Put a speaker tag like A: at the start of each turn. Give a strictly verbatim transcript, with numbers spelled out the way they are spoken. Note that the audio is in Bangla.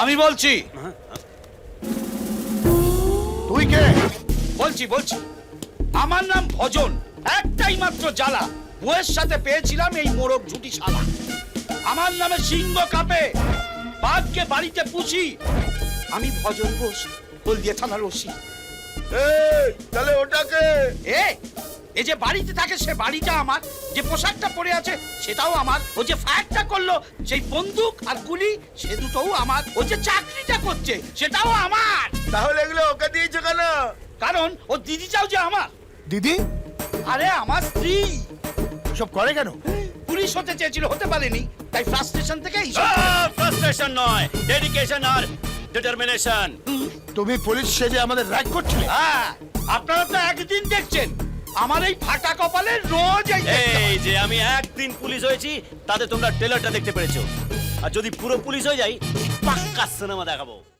A: আমি বলছি।
B: তুই কে?
A: বলছি বলছি আমার নাম ভজন। একটাই মাত্র জ্বালা, বউয়ের সাথে পেয়েছিলাম এই মোরগ ঝুটি শালা। আমার নামে সিংহ কাঁপে, বাঘকে বাড়িতে পুষি। আমি ভজন বোস, হলদিয়া থানার ওসি।
B: এই তাহলে ওটাকে?
A: এ এই যে বাড়িতে থাকে সে বাড়িটা আমার, যে পোশাকটা পরে আছে সেটাও আমার, ও যে ফায়ারটা করলো সেই বন্দুক আর গুলি সে দুটোও আমার, ও যে চাকরিটা করছে সেটাও আমার।
B: তাহলে এগুলো ওকে দিয়েছো কেন?
A: কারণ ও দিদিটাও যে আমার।
B: দিদি?
A: আরে আমার স্ত্রী।
B: সব করে কেন?
A: পুলিশ হতে চেয়েছিল, হতে পারেনি, তাই ফ্রাস্ট্রেশন থেকে এইসব।
C: ফ্রাস্ট্রেশন নয়, ডেডিকেশন আর ডিটারমিনেশন।
B: তুমি পুলিশ সেজে আমাদের র‍্যাগ করছিলে?
A: হ্যাঁ, আপনারা তো একদিন দেখছেন, আমার এই ফাটা কপালে রোজ এই দেখতে হয়।
C: এই যে আমি একদিন পুলিশ হয়েছি তাতে তোমরা ট্রেলারটা দেখতে পেরেছো, আর যদি পুরো পুলিশ হয়ে যাই পাক্কা সিনেমা দেখাবো।